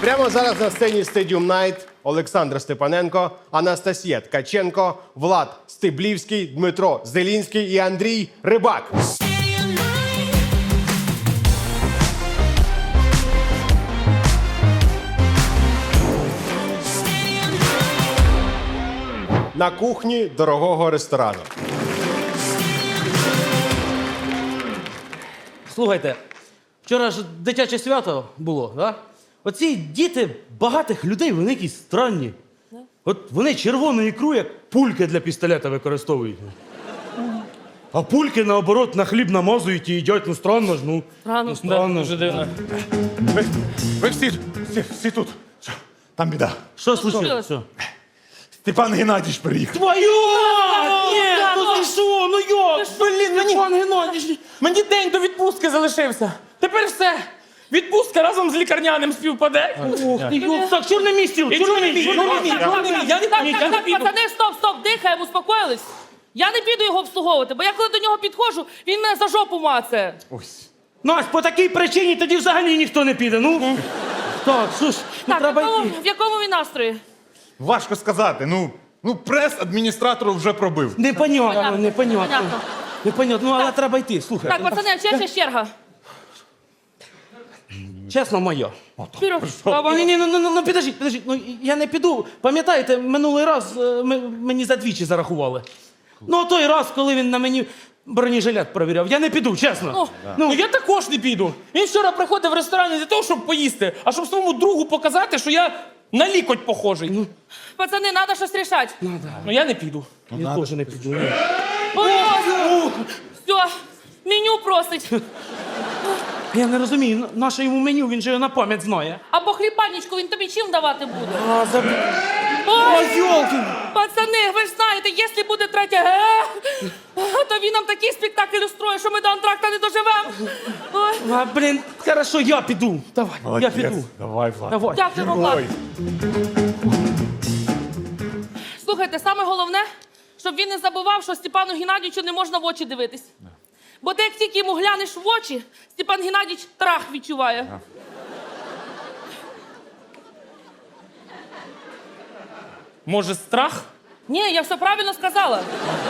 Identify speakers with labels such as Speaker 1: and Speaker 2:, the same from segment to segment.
Speaker 1: Прямо зараз на сцені Stadium Night Олександр Степаненко, Анастасія Ткаченко, Влад Стеблівський, Дмитро Зелінський і Андрій Рибак. На кухні дорогого ресторану.
Speaker 2: Слухайте, вчора ж дитяче свято було, да? Оці діти багатих людей, вони якісь странні. От вони червону ікру, як пульки для пістолета використовують. А пульки, наоборот, на хліб намазують і їдять. Ну, странно ж, ну.
Speaker 3: Странно.
Speaker 2: Странно.
Speaker 3: Дуже дивно.
Speaker 4: Ви всі тут. Що? Там біда.
Speaker 2: Що случилось? Що?
Speaker 4: Степан Геннадійович приїхав.
Speaker 2: Твою! Ні, ну ти що? Ну як?
Speaker 3: Блін,
Speaker 2: Пан Геннадійович!
Speaker 3: мені день до відпустки залишився. Тепер все. Відпустка разом з лікарняним співпаде.
Speaker 2: Ох ти, йоп, так, чорний мій стіл, чорний мій.
Speaker 3: Я не піду.
Speaker 5: Пацани, стоп, дихаємо, успокоїлись. Я не піду його обслуговувати, бо я коли до нього підходжу, він мене за жопу мацає.
Speaker 4: Ось.
Speaker 2: Настя, по такій причині тоді взагалі ніхто не піде, ну. Так, що ж, ну
Speaker 5: Так,
Speaker 2: треба йти.
Speaker 5: в якому він настрої?
Speaker 4: Важко сказати. Ну прес адміністратору вже пробив.
Speaker 2: Непонятно.
Speaker 5: Понятно.
Speaker 2: Непонятно, ну але треба йти, слухай.
Speaker 5: Так, пацани, а чия ще черга?
Speaker 2: Чесно, моя.
Speaker 5: Вперед.
Speaker 2: Ні, ну підождіть, ну я не піду. Пам'ятаєте, минулий раз мені за двічі зарахували. Ну, той раз, коли він на мені бронежилет перевіряв, я не піду, чесно.
Speaker 3: Ну я також не піду. Він вчора приходив в ресторан не для того, щоб поїсти, а щоб своєму другу показати, що я на лікоть похожий.
Speaker 5: Пацани, треба щось рішати.
Speaker 3: Ну я не піду.
Speaker 2: Я теж не піду.
Speaker 5: Все, меню просить.
Speaker 2: Я не розумію, наше йому меню, він же його на пам'ять знає.
Speaker 5: Або хлібальничку він тобі чим давати буде?
Speaker 2: Ой, йолки!
Speaker 5: Пацани, ви ж знаєте, якщо буде третє то він нам такий спектакль устроїть, що ми до антракта не доживемо. Ой.
Speaker 2: А, блін, хорошо, я піду. Давай, я піду.
Speaker 4: Давай, Влад.
Speaker 2: Давай.
Speaker 5: Дякую вам, Влад.
Speaker 4: Ой.
Speaker 5: Слухайте, саме головне, щоб він не забував, що Степану Геннадійовичу не можна в очі дивитись. Бо ти як тільки йому глянеш в очі, Степан Геннадійович трах відчуває.
Speaker 3: Може, страх?
Speaker 5: Ні, я все правильно сказала.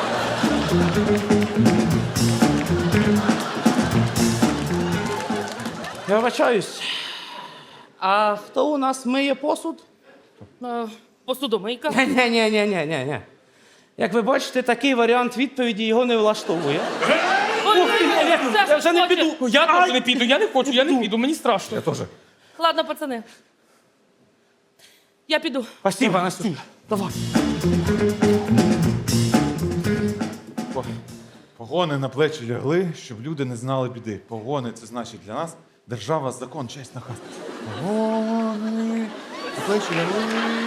Speaker 2: Я вибачаюсь. А хто у нас миє посуд?
Speaker 5: Посудомийка.
Speaker 2: Ні. Як ви бачите, такий варіант відповіді його не влаштовує.
Speaker 5: Ой,
Speaker 2: Я вже не піду.
Speaker 3: Ну, я теж не піду, я не хочу, я не піду, мені страшно.
Speaker 4: Я теж.
Speaker 5: Ладно, пацани. Я піду.
Speaker 2: Спасибо, Настюш. Давай.
Speaker 4: Погони на плечі лягли, щоб люди не знали біди. Погони — це значить для нас держава, закон, честь, наказ. Погони на плечі лягли,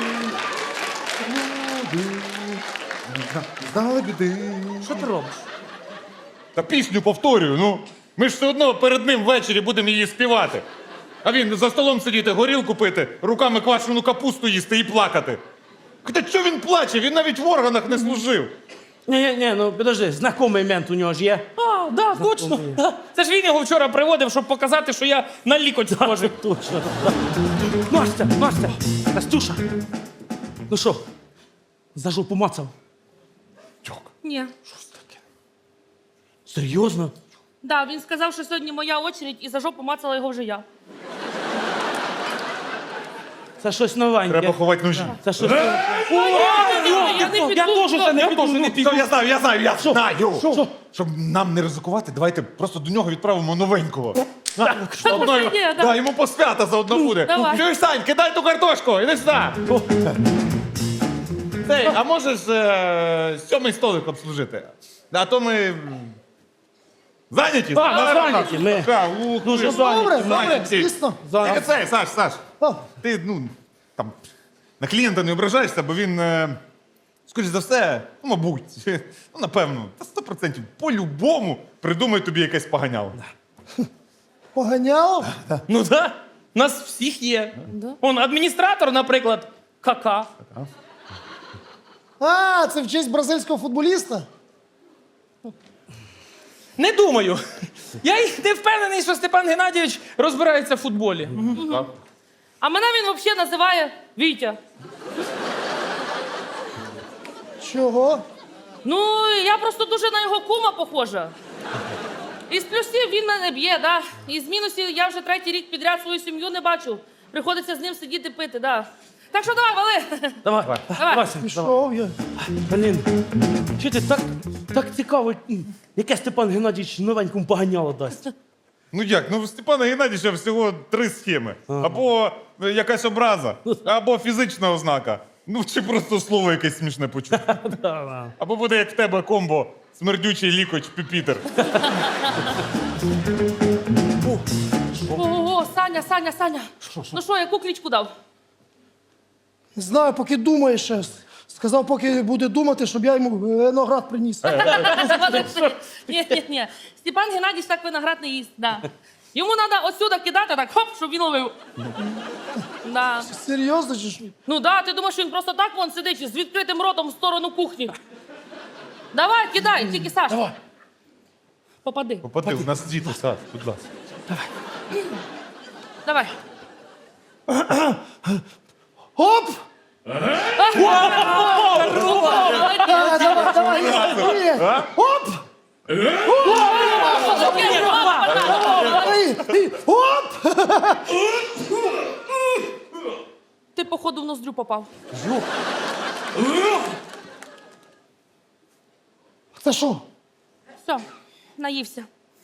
Speaker 4: щоб люди не знали біди.
Speaker 3: Що ти робиш?
Speaker 4: Та пісню повторюю, ну. Ми ж все одно перед ним ввечері будемо її співати. А він за столом сидіти, горілку пити, руками квашену капусту їсти і плакати. Та що він плаче? Він навіть в органах не служив.
Speaker 2: Ні, ну підожди, знайомий мент у нього ж є.
Speaker 3: А, да, точно. Да. Це ж він його вчора приводив, щоб показати, що я на лікоть схожий.
Speaker 2: Точно. Настя, Настюша. Ну що, за жопу мацав?
Speaker 5: Ні.
Speaker 2: Серйозно?
Speaker 5: Да, він сказав, що сьогодні моя очередь, і за жопу мацала його вже я.
Speaker 2: Це щось новеньке.
Speaker 4: Треба ховати ножі.
Speaker 2: Це щось...
Speaker 5: Я не піду.
Speaker 2: Я теж це не піду.
Speaker 3: не піду.
Speaker 4: Я знаю.
Speaker 2: Що?
Speaker 4: Щоб нам не ризикувати, давайте просто до нього відправимо новенького.
Speaker 5: Заодно є, да.
Speaker 4: Да, йому посвята заодно буде.
Speaker 5: Давай.
Speaker 4: Чуєш, Сань, кидай ту картошку, іди сюди. Цей, а можеш сьомий столик обслужити? А то ми зайняті.
Speaker 2: Зайняті ми. Дуже зайняті.
Speaker 4: Звісно. Цей, Саш, ти, там, на клієнта не ображаєшся, бо він, скоріш за все, мабуть, напевно, 100%, по-любому придумає тобі якесь поганяло.
Speaker 6: Поганяло?
Speaker 3: Ну так, нас всіх є. Он адміністратор, наприклад, кака.
Speaker 6: А, це в честь бразильського футболіста?
Speaker 3: Не думаю. Я й не впевнений, що Степан Геннадійович розбирається в футболі.
Speaker 5: А мене він взагалі називає Вітя.
Speaker 6: Чого?
Speaker 5: Ну, я просто дуже на його кума похожа. Із плюсів він мене б'є, да. Із мінусів я вже 3-й рік підряд свою сім'ю не бачу. Приходиться з ним сидіти пити, да. Так що давай, вали.
Speaker 2: Давай,
Speaker 5: Давай.
Speaker 2: Вася, давай.
Speaker 6: Пішов я.
Speaker 2: Блін, що ти так цікаво, яке Степан Геннадійович новенькому поганяло дасть?
Speaker 4: Ну як? Ну, в Степана Геннадійовича всього 3 схеми. Або якась образа, або фізична ознака. Ну, чи просто слово якесь смішне почути. Або буде як в тебе комбо смердючий лікоть Піпітер.
Speaker 5: Ого, Саня. Ну що, яку кличку дав?
Speaker 6: Не знаю, поки думає ще. Сказав, поки буде думати, щоб я йому виноград приніс.
Speaker 5: Ні. Степан Геннадійович так виноград не їсть, да. Йому треба отсюда кидати, так хоп, щоб він ловив. Да.
Speaker 6: Серйозно чи що?
Speaker 5: Ну да, ти думаєш, він просто так вон сидить з відкритим ротом в сторону кухні. Давай, кидай, тільки Саш.
Speaker 2: Давай.
Speaker 5: Попади.
Speaker 4: Попади, у нас діти, Саш, будь ласка.
Speaker 5: Давай.
Speaker 6: Оп! Давай. Оп! Оп!
Speaker 5: Ти, походу, в ноздрю попав.
Speaker 6: Це що?
Speaker 5: Все, наївся.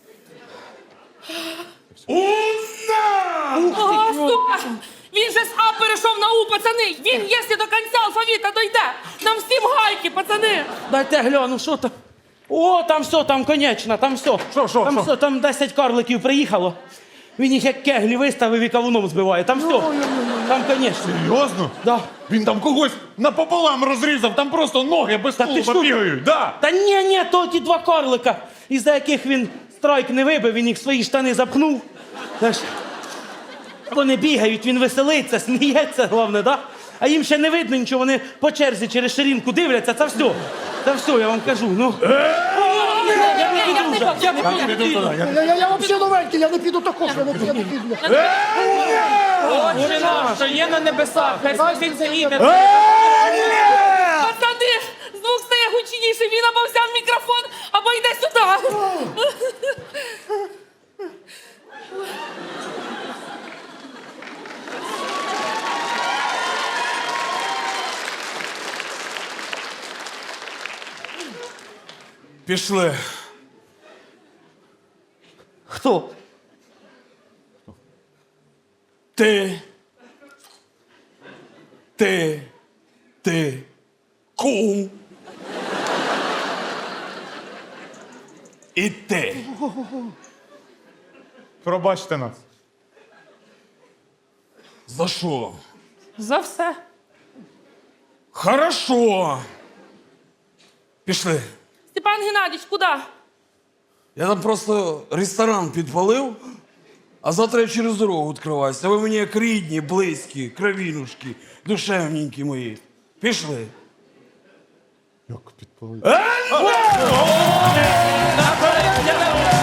Speaker 5: О, сука! Він же з А перейшов на У, пацани! Він, якщо до кінця алфавіта дойде, нам всім гайки, пацани!
Speaker 2: Дайте гляну, що там? О, там все, там конечно, там все. Там все, там 10 карликів приїхало. Він їх як кеглі виставив і кавуном збиває. Там все. Там, конечно.
Speaker 4: Серйозно?
Speaker 2: Да.
Speaker 4: Він там когось напополам розрізав, там просто ноги без
Speaker 2: Та ти
Speaker 4: тулуба
Speaker 2: що?
Speaker 4: бігають. Да.
Speaker 2: Та ні, то ті 2 карлика, із-за яких він страйк не вибив, він їх в свої штани запхнув. Знаєш, вони бігають, він веселиться, сміється, головне, да? А їм ще не видно нічого, вони по черзі через ширинку дивляться, це все. Це все, я вам кажу. Ну.
Speaker 5: Я не піду.
Speaker 6: Я взагалі новенький, я не піду також, я не піду.
Speaker 3: Отче наш, що є на небесах, хай святиться ім'я.
Speaker 5: Пацани, звук стає гучніше, він або взяв мікрофон, або йде сюди.
Speaker 7: Пішли.
Speaker 2: Хто?
Speaker 7: Ти. Кум. І ти.
Speaker 4: Пробачте нас.
Speaker 7: За що?
Speaker 5: За все.
Speaker 7: Хорошо. Пішли.
Speaker 5: Степан Геннадійович, куди?
Speaker 7: Я там просто ресторан підпалив, а завтра я через дорогу відкриваюся. А ви мені як рідні, близькі, кровінушки, душевненькі мої. Пішли.
Speaker 4: Як підпалив?